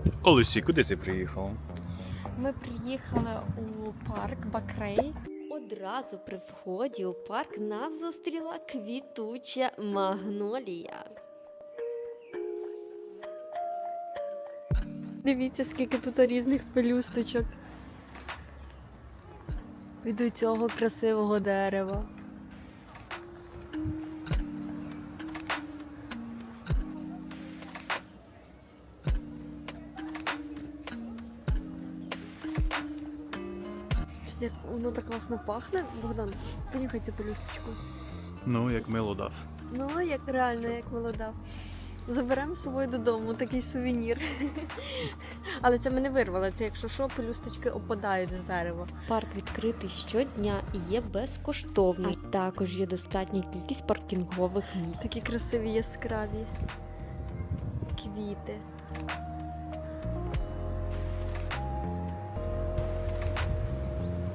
Олесі, куди ти приїхала? Ми приїхали у парк Бакрей. Одразу при вході у парк нас зустріла квітуча магнолія. Дивіться, скільки тут різних пелюсточок. Від цього красивого дерева. Як воно так класно пахне. Богдан, понюхай цю пелюсточку. Ну, як мило дав. Ну, як реально, як молода. Заберемо з собою додому такий сувенір. Але це ми не вирвали, це якщо що, пелюсточки опадають з дерева. Парк відкритий щодня і є безкоштовний. А також є достатня кількість паркінгових місць. Такі красиві яскраві квіти.